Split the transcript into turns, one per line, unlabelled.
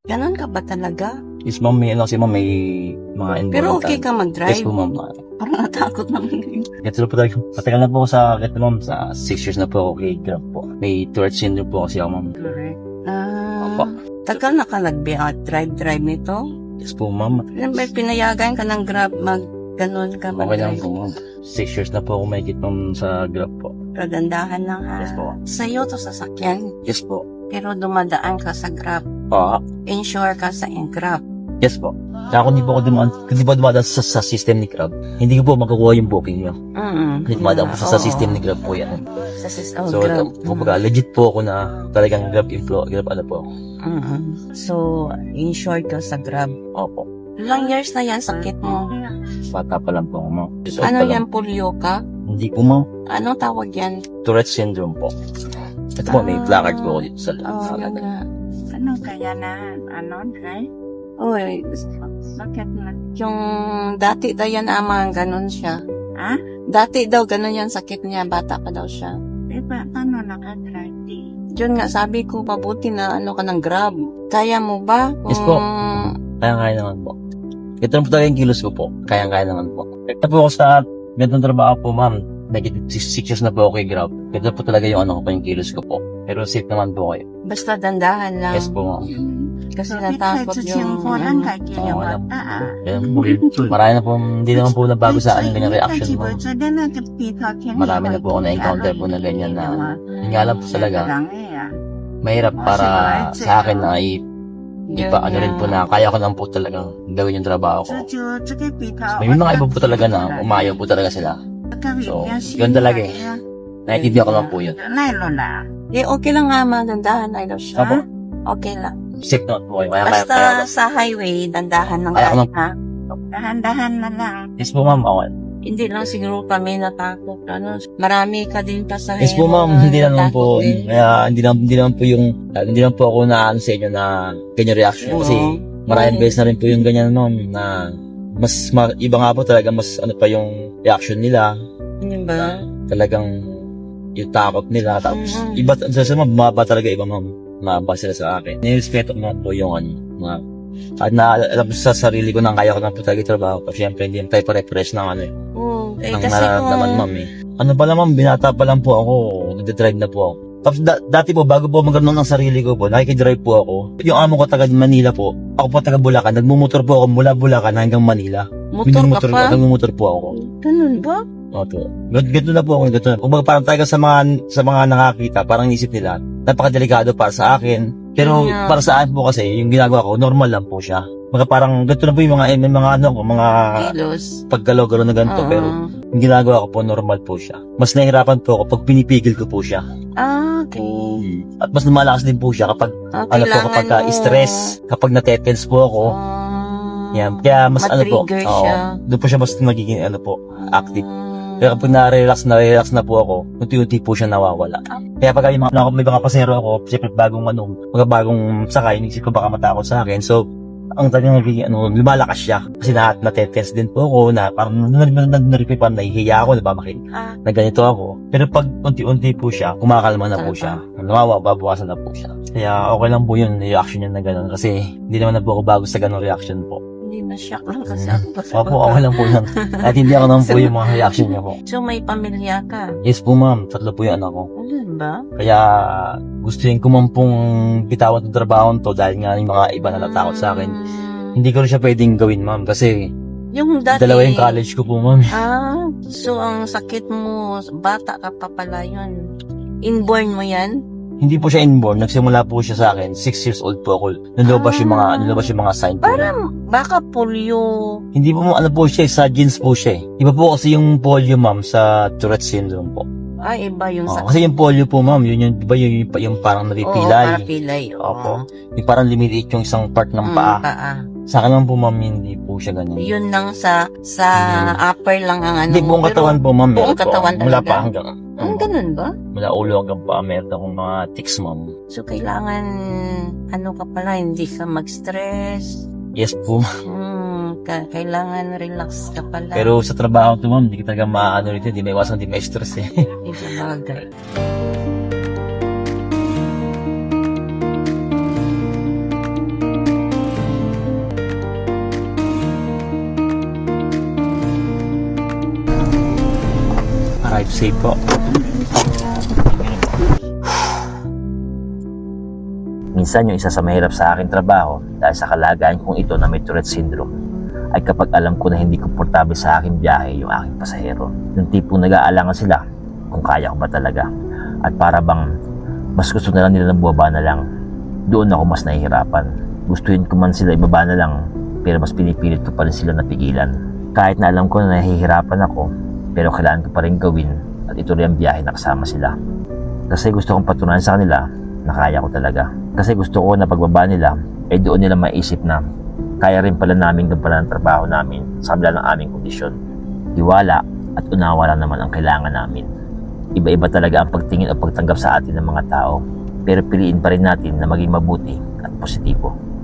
Ganon ka ba talaga?
Yes, ma'am, may ano kasi ma'am, may mga environmental.
Pero okay ka mag-drive?
Yes po, ma'am.
Parang natakot naman.
Ganito po talaga. Matagal na po ako sa, ganito ma'am, sa 6 years na po ako kay Grab po. May Tourette syndrome po kasi ako, ma'am.
Correct.
Opo.
Tagal na ka nag-drive nito?
Yes po, ma'am.
May pinayagan ka ng Grab ganon ka
Okay lang
mag-drive?
po, ma'am. 6 years na po ako may ma'am sa Grab po.
Kagandahan lang ha.
Yes po.
Sa'yo to sasakyan,
Yes po.
pero dumadaan ka sa Grab.
Oo.
Insure ka sa Grab.
Yes po. Kaya kung di po ako dumadaan sa system ni Grab, hindi ko po makukuha yung booking nyo. Hindi dumadaan po sa system ni Grab po yan.
Sa system
So,
Grab.
kumbaga, legit po ako na talagang Grab Grab ano po.
So, insured ka sa Grab.
Opo.
Ilang years na yan sakit mo?
Bata pa lang po ako, ma'am.
Ano yan, polio ka?
Hindi po, ma'am.
Anong tawag yan?
Tourette syndrome po. Ito po, may placard po ako dito sa
Ano kaya na, Dre?
Oy,
Bakit na?
yung dati daw yan ama, ganun siya.
Ha?
Dati daw ganun yan sakit niya, bata pa daw siya.
Eh, paano naka-drive?
Yun nga, sabi ko, mabuti na ano ka ng Grab. Kaya mo ba?
Yes po. Kaya naman po. Ito na po talaga yung kilos ko po. Kaya naman po. Ito po ako sa ganitong trabaho po, ma'am. Negative 6 years na po ako kay Grab. Ito po talaga yung ano ko po, yung kilos ko po. Pero safe naman po kayo.
Basta dandahan lang.
Yes po, ma'am.
Kasi natakot yung...
Lang kay
Oo, alam
Kilawata, ah.
Kaya po, marami na po, hindi naman po nabago sa akin ganyan reaction mo. Marami na po ako na-encounter po na ganyan na yun nga lang po talaga. Mahirap para sa akin na ipa ano rin po na kaya ko lang po talagang gawin yung trabaho ko. May mga iba po talaga na umayaw po talaga sila. So, yun talaga eh. Naintindihan ko lang po yun.
Eh, okay lang nga, dandahan ay daw siya.
Apo?
Okay lang.
Safe naman po kayo. Kaya
Basta sa highway, dandahan lang
Kaya
tayo,
ko
ha?
Dahan-dahan na lang.
Yes po, ma'am. Okay.
Hindi lang siguro kami natakot. Ano, marami ka din pasahero.
Yes po, ma'am.
na
Hindi naman po.
natakot din.
Kaya hindi naman po yung hindi naman po ako na sa inyo na ganyan reaction. Kasi maraming beses na rin po yung ganyan, ma'am, na iba nga po talaga mas ano pa yung reaction nila.
Hindi ba?
Talagang yung takot nila. Tapos iba sa bumaba talaga iba, ma'am. Mababa sila sa akin. Nirespeto ko naman po yung mga at alam sa sarili ko na kaya ko na po talaga yung trabaho ko. Siyempre, hindi tayo pare-press ng ano eh.
Eh,
Ng
kasi
nararamdaman, ma'am eh. Ano pala, ma'am, binata pa lang po ako. Nagdadrive na po ako. Tapos dati po, bago po magkaroon ng sarili ko po, nakikidrive po ako. Yung amo ko taga Manila po, ako po taga Bulacan. Nagmumotor po ako mula Bulacan hanggang Manila.
motor ka pa?
Nagmumotor po ako.
Ganun ba?
Oto. Ganito na po ako, ganito na. Kumbaga parang talaga sa mga nakakita, parang isip nila, napakadelikado para sa akin. Pero
Yeah.
para sa akin po kasi, yung ginagawa ko, normal lang po siya. Mga parang ganito na po yung mga ano ko, mga
Kilos.
paggalaw-galaw na ganito.
Oo.
Pero yung ginagawa ko po, normal po siya. Mas nahihirapan po ako pag pinipigil ko po siya.
Okay.
At mas lumalakas din po siya kapag, ano po, kapag stress, kapag natetense po ako. Yan. Kaya mas ano po,
matrigger siya.
doon po siya mas nagiging ano po, active. Kaya kapag na-relax na po ako, unti-unti po siya nawawala. Kaya pag may mga pasero ako, siyempre bagong sakay, inisip ko baka matakot sa akin. So, ang talagang lumalakas siya. Kasi natetense din po ako na parang naripipan, nahihiya ako, na ganito ako. Pero pag unti-unti po siya, kumakalma na po siya. Babawasan na po siya. Kaya okay lang po yun, reaction niya na gano'n. Kasi hindi naman na po ako bago sa gano'ng reaction po.
Hindi na-shock lang kasi ako.
Opo, okay lang po yan. At hindi ako naman po yung mga reaction niya po.
So, may pamilya ka?
Yes po, ma'am. 3 po yung anak ko.
Ganun ba?
Kaya gustuin ko man pong bitawan itong trabaho to dahil nga yung mga iba na natakot sa akin. Hindi ko rin siya pwedeng gawin, ma'am. Kasi
Yung dati...
dalawa yung college ko po, ma'am.
So ang sakit mo, bata ka pa pala yun. Inborn mo yan?
Hindi po siya inborn. Nagsimula po siya sa akin. 6 years old po ako. Nalabas yung mga sign po.
Parang baka polio.
Hindi po ano po siya, sa genes po siya. Iba po kasi yung polio, ma'am, sa Tourette syndrome po.
Ay, iba yung sakit.
Kasi yung polio po, ma'am, yun iba yung parang napipilay.
Pilay.
Opo. Yung parang limitate yung isang part ng paa. Sa akin naman po, ma'am, hindi po siya ganyan.
Yun lang sa upper lang ang ano.
Hindi, buong katawan po, ma'am.
Buong
meron po.
katawan
Mula
talaga?
pa hanggang.
Ganun ba?
Mula ulo hanggang pa, meron akong mga tics, ma'am.
So kailangan, ano ka pala, hindi ka mag-stress.
Yes po.
Kailangan relax ka pala.
Pero sa trabaho to, ma'am, hindi ka talaga maano rito, hindi may iwasan, hindi may stress eh.
Hindi sa bagay.
Drive safe po.
Minsan yung isa sa mahirap sa aking trabaho dahil sa kalagayan kong ito na may Tourette syndrome ay kapag alam ko na hindi komportable sa aking biyahe yung aking pasahero. Yung tipong nag-aalangan sila kung kaya ko ba talaga. At para bang mas gusto na lang nila ng bumaba na lang. Doon ako mas nahihirapan. Gustuhin ko man sila ibaba na lang pero mas pinipilit ko pa rin sila napigilan. Kahit na alam ko na nahihirapan ako pero kailangan ko pa rin gawin at ituloy ang biyahe na kasama sila. Kasi gusto kong patunayan sa kanila na kaya ko talaga. Kasi gusto ko na pagbaba nila ay doon nila maisip na kaya rin pala namin gampanan ang trabaho namin sa kabila ng aming kondisyon. Tiwala at unawa lang naman ang kailangan namin. Iba-iba talaga ang pagtingin o pagtanggap sa atin ng mga tao pero piliin pa rin natin na maging mabuti at positibo.